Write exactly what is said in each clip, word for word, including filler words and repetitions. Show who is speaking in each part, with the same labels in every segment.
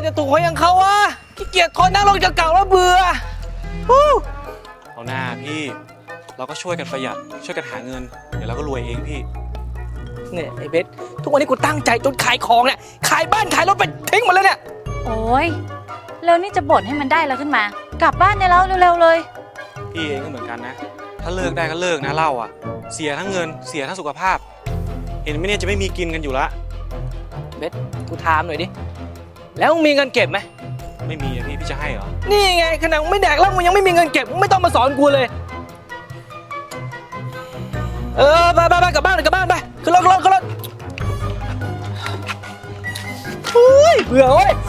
Speaker 1: จะถูกหวยอย่างเขาวะขี้เกียจทนนั่งรถเก่าๆแล้วเบื่อ
Speaker 2: เอาหน้าพี่เราก็ช่วยกันประหยัดช่วยกันหาเงินเดี๋ยวเราก็รวยเองพี่
Speaker 1: เนี่ยไอ้เบสทุกวันนี้กูตั้งใจจนขายของเนี่ยขายบ้านขายรถไปทิ้งหมดเลยเนี่ย
Speaker 3: โอ้ยแล้วนี่จะบ่นให้มันได้แล้วขึ้นมากลับบ้านได้แล้วเร็วๆเลย
Speaker 2: พี่เองก็เหมือนกันนะถ้าเลิกได้ก็เลิกนะเหล้าอ่ะเสียทั้งเงินเสียทั้งสุขภาพเห็นไหมเนี่ยจะไม่มีกินกันอยู่ละ
Speaker 1: เบสกูถามหน่อยดิแล้วมึงมีเงินเก็บไหม
Speaker 2: ไม่มีอะพี่พี่จะให้เหรอ
Speaker 1: นี่ไงขนาดมึงไม่แดกแล้วมึงยังไม่มีเงินเก็บมึงไม่ต้องมาสอนกูเลยเออไปไปไปกลับบ้านกลับบ้านไปขึ้นรถขึ้นรถขึ้นรถเฮ้ยเบื่อเว้ย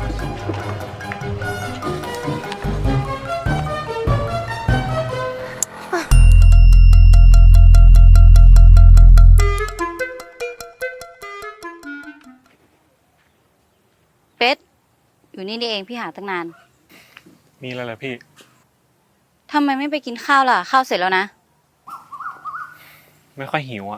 Speaker 3: เป็ดอยู่นี่นี่เองพี่หาตั้งนาน
Speaker 2: มีอะไรเหรอพี่
Speaker 3: ทำไมไม่ไปกินข้าวล่ะข้าวเสร็จแล้วนะ
Speaker 2: ไม่ค่อยหิวอ่ะ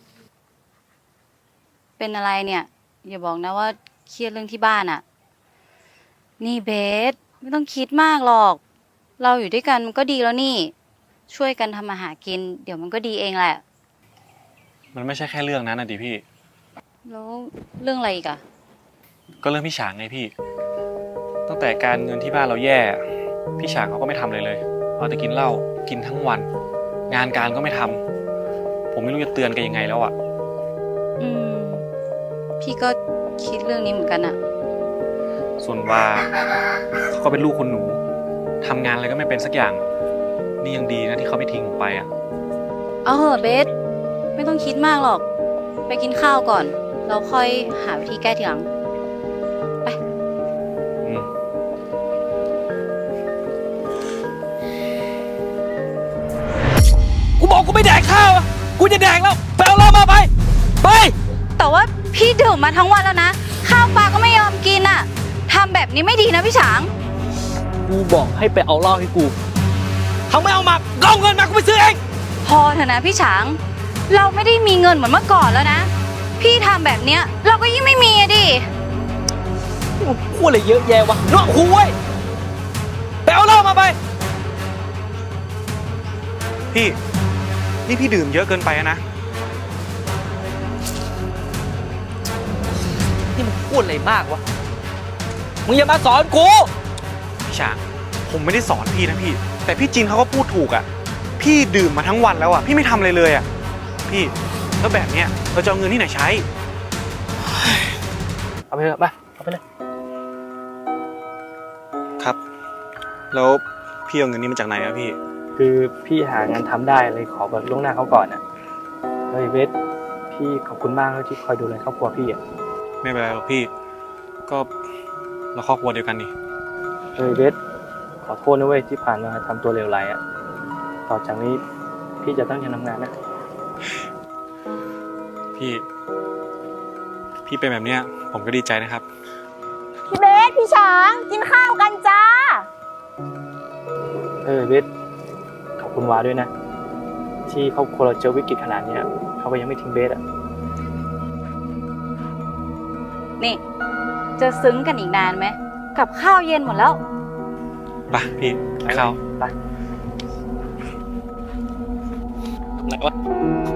Speaker 3: เป็นอะไรเนี่ยอย่าบอกนะว่าเครียดเรื่องที่บ้านอ่ะนี่เบสไม่ต้องคิดมากหรอกเราอยู่ด้วยกันมันก็ดีแล้วนี่ช่วยกันทำมาหากินเดี๋ยวมันก็ดีเองแหละ
Speaker 2: มันไม่ใช่แค่เรื่องนั้นนะดิพี่
Speaker 3: แล้วเรื่องอะไรอีกอะ
Speaker 2: ก็เรื่องพี่ฉางไงพี่ตั้งแต่การเงินที่บ้านเราแย่พี่ฉางเขาก็ไม่ทำเลยเลยเอาแต่กินเหล้ากินทั้งวันงานการก็ไม่ทำผมไม่รู้จะเตือนกันยังไงแล้วอ่ะ
Speaker 3: อืมพี่ก็คิดเรื่องนี้เหมือนกันอะ
Speaker 2: ส่วนว่าเขาก็เป็นลูกคนหนูทำงานอะไรก็ไม่เป็นสักอย่างนี่ยังดีนะที่เขาไม่ทิ้งผมไปอ่ะ
Speaker 3: เอาเหอะเบสไม่ต้องคิดมากหรอกไปกินข้าวก่อนเราค่อยหาวิธีแก้ทีหลังไป
Speaker 1: กูบอกกูไม่แดกข้าวกูจะแดกแล้วไปเอาเหล้ามาไปไป
Speaker 3: แต่ว่าพี่ดื่มมาทั้งวันแล้วนะข้าวปลาก็ไม่ยอมกินอ่ะทำแบบนี้ไม่ดีนะพี่ฉาง
Speaker 1: กูบอกให้ไปเอาเหล้าให้กูเขาไม่เอามาก็เอาเงินมากูไปซื้อเอง
Speaker 3: พอเถอะนะพี่ฉางเราไม่ได้มีเงินเหมือนเมื่อก่อนแล้วนะพี่ทำแบบเนี้ยเราก็ยิ่งไม่มีอะดิ
Speaker 1: พูดอะไรเยอะแยะวะนอกหูเว้ยไปเอาเหล้ามาไป
Speaker 2: พี่นี่พี่ดื่มเยอะเกินไปนะ
Speaker 1: นี่มึงพูดอะไรมากวะมึงอย่ามาสอนกู
Speaker 2: พี่ฉางผมไม่ได้สอนพี่นะพี่แต่พี่จินเขาก็พูดถูกอ่ะพี่ดื่มมาทั้งวันแล้วอ่ะพี่ไม่ทำอะไรเลยอ่ะพี่แล้วแบบเนี้ยเราจะเอาเงินที่ไหนใช้
Speaker 1: เอาไปเลยไปเอาไปเลย
Speaker 2: ครับแล้วพี่เอาเงินนี้มาจากไหนอะพี่
Speaker 1: คือพี่หางานทำได้เลยขอแบบล่วงหน้าเขาก่อนอ่ะเฮ้ยเวทพี่ขอบคุณมากที่คอยดูแลครอบครัวพี่อ่ะ
Speaker 2: ไม่เป็นไรหรอกพี่ก็เราครอบครัวเดียวกันนี่
Speaker 1: เฮ้ยเวทขอโทษนะเว้ยที่ผ่านมาทำตัวเลวร้ายอ่ะต่อจากนี้พี่จะตั้งใจทำงานนะ
Speaker 2: พี่พี่เป็นแบบเนี้ยผมก็ดีใจนะครับ
Speaker 4: พี่เบสพี่ช้างกินข้าวกันจ้า
Speaker 1: เออเบสขอบคุณวาด้วยนะที่ครอบครัวเราเจอวิกฤตขนาดนี้เขาก็ยังไม่ทิ้งเบสอ่ะ
Speaker 3: นี่จะซึ้งกันอีกนานไหมกับข้าวเย็นหมดแล้ว
Speaker 2: ไปพี่ไปข้าว
Speaker 1: ไปไหนวะ